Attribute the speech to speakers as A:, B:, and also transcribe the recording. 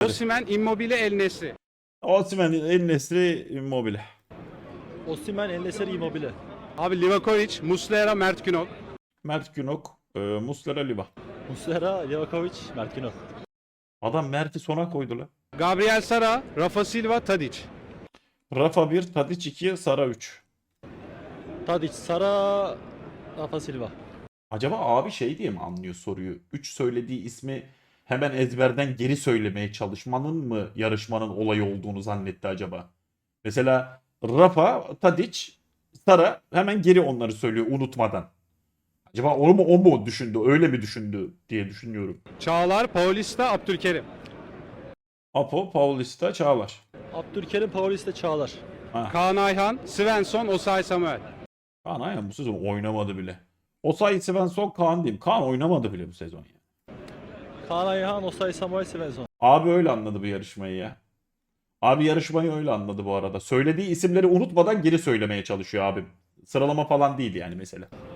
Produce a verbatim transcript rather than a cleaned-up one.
A: Osimhen, Immobile, El Nesri.
B: Osimhen, El Nesri, Immobile.
C: Osimhen, El Nesri, Immobile.
A: Abi Livakovic, Muslera, Mert Günok.
B: Mert Günok, e, Muslera, Liva.
C: Muslera, Livakovic, Mert Günok.
B: Adam Mert'i sona koydu lan.
A: Gabriel Sara, Rafa Silva, Tadic.
B: Rafa bir, Tadic iki, Sara üç.
C: Tadic, Sara, Rafa Silva.
B: Acaba abi şey diye mi anlıyor soruyu? üç söylediği ismi hemen ezberden geri söylemeye çalışmanın mı yarışmanın olayı olduğunu zannetti acaba? Mesela Rafa, Tadic, Sara hemen geri onları söylüyor unutmadan. Acaba o mu o mu düşündü, öyle mi düşündü diye düşünüyorum.
A: Çağlar, Paulista, Abdülkerim.
B: Apo, Paulista, Çağlar.
C: Abdülkerim, Paulista, Çağlar.
B: Ha.
A: Kaan Ayhan, Svensson, Osay Samuel.
B: Kaan Ayhan bu sezon oynamadı bile. Osayi Svensson, Kaan diyeyim. Kaan oynamadı bile bu sezon ya.
C: Kaan Ayhan, Osay Samuel, Svensson.
B: Abi öyle anladı bu yarışmayı ya. Abi yarışmayı öyle anladı bu arada. Söylediği isimleri unutmadan geri söylemeye çalışıyor abim. Sıralama falan değil yani mesela.